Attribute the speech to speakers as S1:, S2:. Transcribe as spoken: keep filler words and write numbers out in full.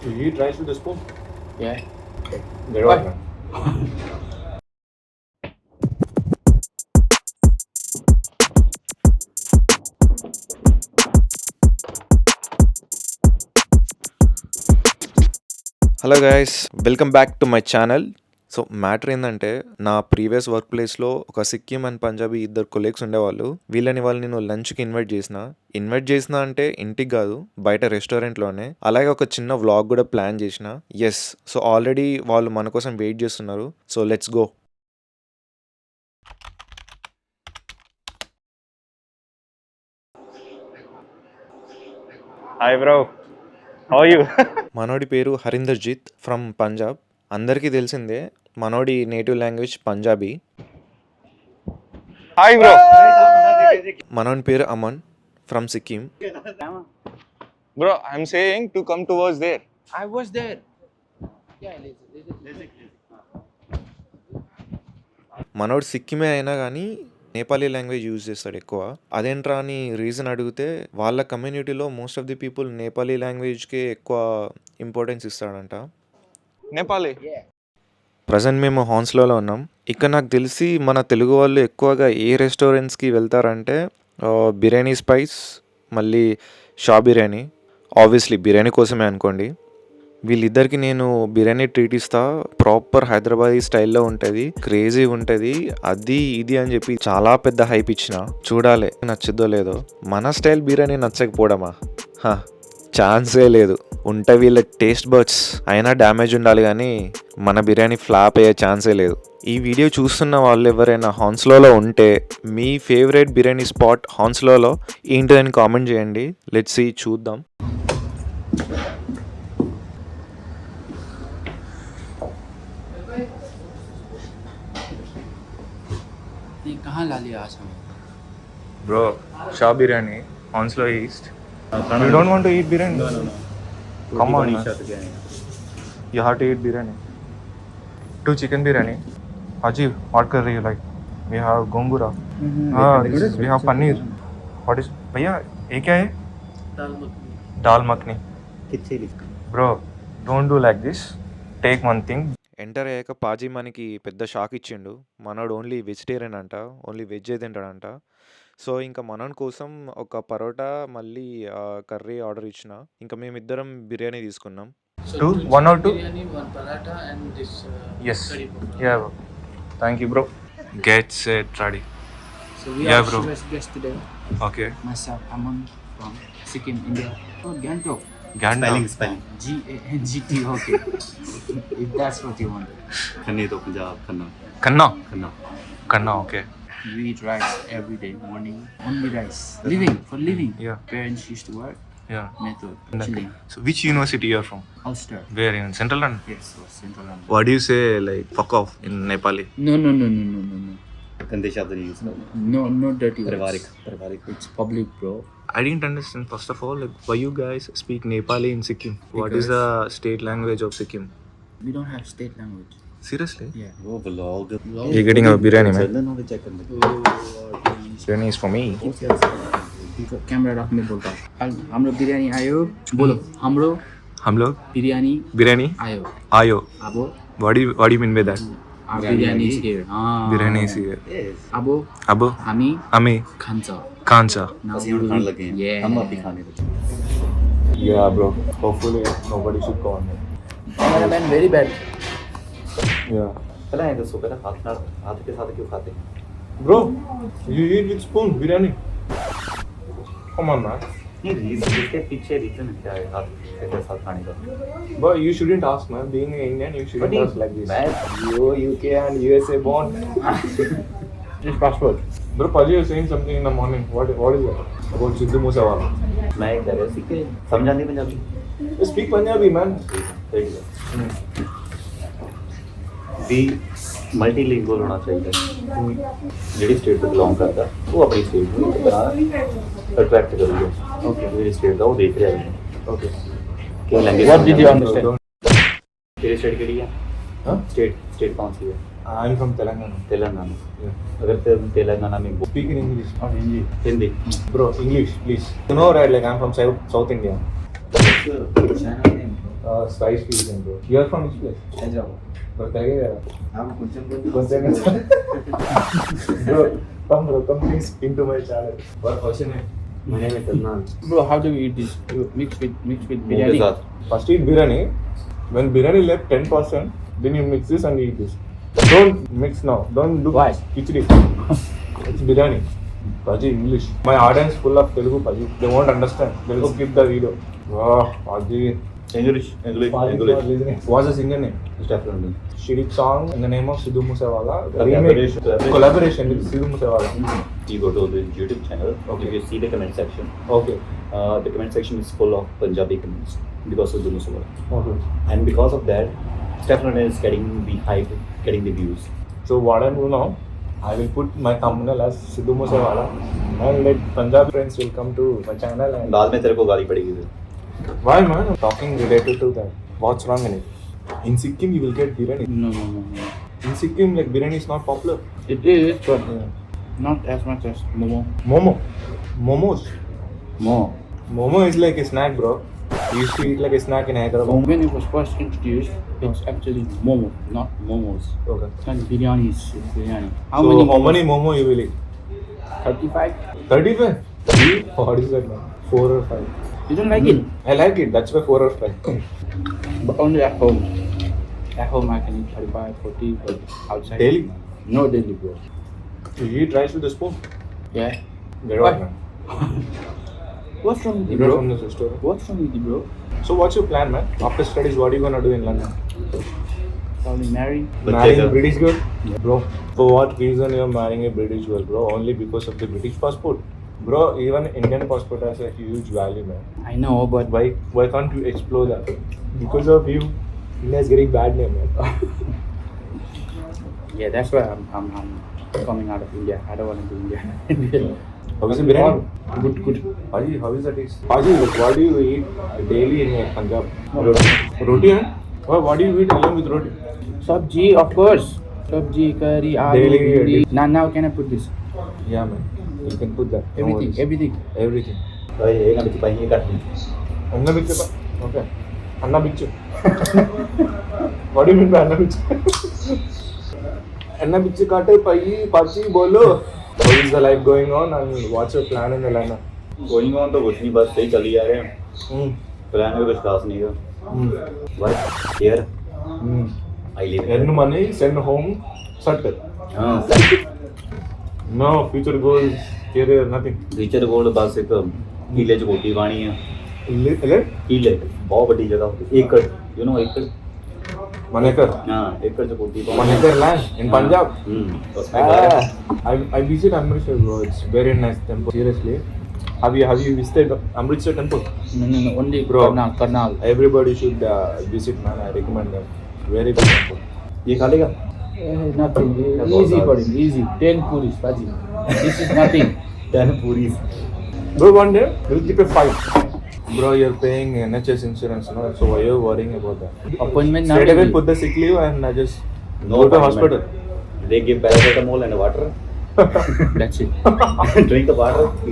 S1: You eat rice with a spoon?
S2: Yeah.
S1: Get
S2: Why?
S1: out, man.
S3: Hello guys, welcome back to my channel. So matter ఏంటంటే, నా previous work ప్లేస్లో ఒక Sikkim and Punjabi ఇద్దరు colleagues ఉండేవాళ్ళు. వీళ్ళని వాళ్ళు నేను లంచ్కి ఇన్వైట్ చేసిన ఇన్వైట్ చేసిన అంటే ఇంటికి కాదు, బయట రెస్టారెంట్లోనే. అలాగే ఒక చిన్న వ్లాగ్ కూడా ప్లాన్ చేసిన. ఎస్, సో ఆల్రెడీ వాళ్ళు మన కోసం వెయిట్ చేస్తున్నారు. So let's go.
S1: Hi, bro. How are you?
S3: మనోడి పేరు హరీందర్జీత్ ఫ్రమ్ పంజాబ్. అందరికీ తెలిసిందే, మనోడి native language Punjabi.
S1: Hi, bro.
S3: మనోడి పేరు Aman from Sikkim.
S1: Bro, I'm saying to come towards there.
S2: I was there. Yeah, lazy.
S3: మనోడు సిక్కిమే అయినా కానీ నేపాలీ లాంగ్వేజ్ యూజ్ చేస్తాడు ఎక్కువ. అదేంట్రా అని రీజన్ అడిగితే, వాళ్ళ కమ్యూనిటీలో most of the people Nepali లాంగ్వేజ్కే ఎక్కువ ఇంపార్టెన్స్ ఇస్తాడంట.
S1: Nepali.
S3: ప్రజెంట్ మేము హాన్స్లోలో ఉన్నాం. ఇక్కడ నాకు తెలిసి మన తెలుగు వాళ్ళు ఎక్కువగా ఏ రెస్టారెంట్స్కి వెళ్తారంటే ఆ, బిర్యానీ స్పైస్, మళ్ళీ షా బిర్యానీ. ఆబ్వియస్లీ బిర్యానీ కోసమే అనుకోండి. వీళ్ళిద్దరికి నేను బిర్యానీ ట్రీట్ ఇస్తా. ప్రాపర్ హైదరాబాదీ స్టైల్లో ఉంటుంది, క్రేజీ ఉంటుంది. అది ఇది అని చెప్పి చాలా పెద్ద హైప్ ఇచ్చిన. చూడాలి నచ్చుద్దో లేదో. మన స్టైల్ బిర్యానీ నచ్చకపోవడమా? హా, ఛాన్సే లేదు. ఉంటే వీళ్ళ టేస్ట్ బర్డ్స్ అయినా డ్యామేజ్ ఉండాలి, కానీ మన బిర్యానీ ఫ్లాప్ అయ్యే ఛాన్సే లేదు. ఈ వీడియో చూస్తున్న వాళ్ళు ఎవరైనా హాన్స్లోలో ఉంటే, మీ ఫేవరెట్ బిర్యానీ స్పాట్ హాన్స్లోలో ఏంటిదని కామెంట్ చేయండి. లెట్స్ సీ, చూద్దాం.
S2: ये कहाँ ला लिया आज हमें?
S1: Bro, Shah biryani, Hounslow East. You don't want to eat biryani? No, no, no. Come on, man. You have to eat biryani. Two chicken biryani. Haji, what curry you like? We have gongura.
S2: Mm-hmm.
S1: Ah, this is, we have paneer. What is? भैया ये क्या है?
S2: दाल मखनी.
S1: दाल मखनी.
S2: कितने?
S1: Bro, don't do like this. Take one thing.
S3: Enter అయ్యాక పాజీ మనకి పెద్ద shock ఇచ్చిండు. మనోడు ఓన్లీ వెజిటేరియన్ అంట, ఓన్లీ వెజ్ తింటాడంట. సో ఇంకా మనోని కోసం ఒక పరోటా మళ్ళీ కర్రీ ఆర్డర్ ఇచ్చిన. ఇంకా మేమిద్దరం బిర్యానీ తీసుకున్నాం.
S2: So
S1: Two? One or two?
S2: biryani, one paratha, and this. Uh,
S1: Yes.
S2: curry powder.
S1: Yeah, bro. Thank you, bro. Get set, ready.
S2: So we
S1: Yeah,
S2: are
S1: bro.
S2: first guest today.
S1: Okay.
S2: Myself, Aman from Sikkim, India. Oh, Gangtok.
S1: Ganda.
S4: spelling.
S2: G A N G T. Okay. If that's what you want.
S4: खन्ने तो Punjab Khanna
S1: Kanna.
S4: Khanna
S1: Kanna, okay.
S2: We eat rice every day morning. Only rice. Living for living.
S1: Yeah.
S2: Parents used to work.
S1: Yeah.
S2: Method.
S1: And
S2: Chilling.
S1: So, which university you are from?
S2: Ulster.
S1: Where in Central London?
S2: Yes, was Central London.
S1: What do you say, like, fuck off in Nepali?
S2: No, no, no, no, no, no, no.
S4: गंदे शब्द नहीं use करना
S2: No, no dirty words.
S4: पारिवारिक पारिवारिक
S2: It's public, bro.
S1: I didn't understand, first of all, like, why you guys speak Nepali in Sikkim? What is
S2: Because-
S1: the state language of Sikkim?
S2: We don't have state language.
S1: Seriously?
S2: Yeah.
S4: वो vlog
S1: You're getting a biryani, man.
S4: Channel knowledge check करने
S1: Biryani is for me.
S2: Camera राख्ने बोलता हूँ हाम्रो बिरयानी आयो बोलो हाम्रो
S1: हम लोग
S2: बिरयानी
S1: biryani
S2: आयो
S1: ayo.
S2: अब
S1: What do you, what do you mean by that?
S2: our biryani is here हाँ
S1: Biryani is here.
S2: अब
S1: अब
S2: हामी
S1: हमें
S2: खान्छ
S1: kancha.
S2: Now
S4: ਅਸੀਂ ਹੁਣ ਖਾਣ ਲੱਗੇ
S2: Yeah.
S4: ਹਾਂ हम अभी खाने लगे
S1: Yeah, bro. Hopefully nobody should call me.
S2: cameraman very bad
S1: Yeah.
S4: पहले ये दसो पहले हाथ ना हाथ के साथ क्यों खाते हैं
S1: Bro, you eat with spoon biryani. Come on, man.
S4: नहीं रीजन इसके पीछे रीजन क्या है हाथ के साथ खाने का
S1: But you shouldn't ask, man. Being an Indian, you shouldn't
S4: But
S1: ask like this.
S4: मैं
S1: You, U K and U S A born. It's passport. Bro, Paji is saying something in the morning. What, what is that? About Sidhu Moosewala.
S4: मैं कह रहा सीखे समझा नहीं Punjabi
S1: You speak Punjabi, man.
S4: ठीक है भी मल्टीलिंगुअल होना चाहिए ਜਿਹੜੀ ਸਟੇਟ ਤੋਂ ਬਿਲੋਂਗ ਕਰਦਾ ਉਹ ਆਪਣੀ ਸਟੇਟ ਨੂੰ ਇੱਕ ਤਰ੍ਹਾਂ ਅਟਰੈਕਟ ਕਰੂਗਾ ਓਕੇ ਜਿਹੜੀ ਸਟੇਟ ਦਾ ਉਹ ਦੇਖ ਰਿਹਾ ਹੈ
S1: Okay.
S4: ਕਿ language
S1: What did you understand?
S4: तेरी स्टेट केड़ी है
S1: Huh?
S4: स्टेट स्टेट कौन सी है
S1: I'm from Telangana.
S4: Telangana
S1: Yeah.
S4: अगर तेल- तेलंगाना में बोल-
S1: Speak in English.
S2: or Hindi
S4: Hindi
S1: Bro, English, please. You know, right? Like I'm from South, South India.
S4: China में
S1: Uh, spice fusion, bro. You are from which place?
S2: Hyderabad.
S1: Bro, Tagaya.
S2: I'm కొంచెం
S1: Koncham. Bro, come bro, come please into my channel. What what's your name?
S4: My name is Adnan.
S2: Bro, how do we eat this? You mix with mix with
S4: Biryani.
S2: biryani.
S1: First eat biryani. When biryani left ten percent, then you mix this and eat this. Don't mix now. Don't look
S2: Why?
S1: khichdi. It's biryani. Paji, English. My audience full of Telugu, Paji. They won't understand. They'll skip the video. Wow, Paji.
S4: English, English,
S1: Paji
S4: English.
S1: for listening. What's the singer name?
S4: Stefan.
S1: She did song in the name of Sidhu Moosewala.
S4: Collaboration.
S1: Remake. Collaboration with Sidhu Moosewala.
S4: You go to the YouTube channel.
S1: Okay.
S4: If you see the comment section,
S1: Okay.
S4: uh, the comment section is full of Punjabi comments because of the Muslim.
S1: Okay.
S4: And because of that, Stefan is getting the hype, getting the views.
S1: So what I'm doing now, I will put my thumbnail as Sidhu Moosewala and let Punjab friends will come to my channel and
S4: बाद में तेरे को गाली पड़ेगी फिर.
S1: why man? I'm talking related to that. What's wrong in it? In Sikkim you will get biryani.
S2: No, no, no, no.
S1: In Sikkim like biryani is not popular.
S2: It is, but not as much as momo.
S1: Momo. Momos.
S2: More.
S1: Momo is like a snack, bro. You used to eat like a snack in
S2: So
S1: Hyderabad.
S2: when it was first introduced, it's actually momo, not momos.
S1: Okay.
S2: And biryani is is biryani. How
S1: so
S2: many?
S1: how many momo you will eat?
S2: Thirty-five.
S1: thirty-five? What is that man? four or five?
S2: You don't like it?
S1: I like it. That's why four or five.
S2: But only at home. At home I can eat thirty-five, forty, but outside.
S1: Daily?
S2: No daily, bro.
S1: You eat rice with a spoon.
S2: Yeah.
S1: Get
S2: Why?
S1: out, man.
S2: What's wrong with you,
S1: You're
S2: bro?
S1: from this restaurant.
S2: What's wrong with you, bro?
S1: So what's your plan, man? After studies, what are you gonna do in London?
S2: Probably marry.
S4: But
S1: Marrying
S4: there's
S1: a
S4: a-
S1: British girl? Bro, for what reason you're marrying a British girl, bro? Only because of the British passport? Bro, even Indian passport has a huge value, man.
S2: I know, but
S1: Why why can't you explore that? Because of you, India is getting bad name, man.
S2: yeah, that's why I'm, I'm, I'm coming out of India. I don't want to do India. India.
S1: How is the biryani?
S2: Good, good.
S1: Paji, how is the taste? Paji, like, what do you eat daily in like, Punjab?
S2: Roti.
S1: Roti, huh? What, what do you eat along with roti?
S2: Sabji, of course. Sabji, curry, aloo,
S1: Daily,
S2: bhindi.
S1: daily.
S2: Now, now can I put this?
S1: Yeah, man. You can put that. No
S2: Everything,
S1: worries.
S2: everything.
S1: Everything.
S4: भाई ये ना बिच पाई ये काट दी.
S1: Anna bichu pa? Okay. Anna bichu. What do you mean by Anna bichu? Anna bichu kaate pai pachi bolo. How is the life going on and what's your plan in the London?
S4: Going on तो कुछ नहीं बस सही चली जा रहे हैं.
S1: Hmm.
S4: Plan में कुछ खास नहीं है.
S1: Hmm.
S4: Work here.
S1: Hmm.
S4: I live.
S1: Earn money, send home, settle.
S4: हाँ.
S1: No future goals, career, nothing.
S4: Teacher gold बस एक किले च कोठी पानी है.
S1: Ele- Elect?
S4: किले बहुत बड़ी जगह. एकड़. You know एकड़.
S1: Manekar.
S4: हाँ एकड़ च कोठी पानी.
S1: Manekar land in Punjab.
S4: हम्म. उसमें घर है.
S1: Ah, I I visit Amritsar, bro. It's very nice temple. Seriously, have you have you visited Amritsar temple?
S2: No, no, no. Only
S1: Bro.
S2: Karnal, Karnal.
S1: Everybody should uh, visit, man. I recommend them. Very good temple.
S4: ये खा लेगा.
S2: Eh, nothing.
S4: That's
S2: Easy
S4: all
S2: for
S4: that.
S2: him. Easy. Ten puris, Paji. This is nothing.
S4: Ten puri.
S1: Bro, one day we'll keep a fight. Bro, you're paying N H S insurance, no? So why are you worrying about that?
S2: Appointment now.
S1: Straight away put the sick leave and I just
S4: No
S1: go to
S4: appointment.
S1: hospital.
S4: They give paracetamol and water.
S2: That's it.
S4: Drink the water.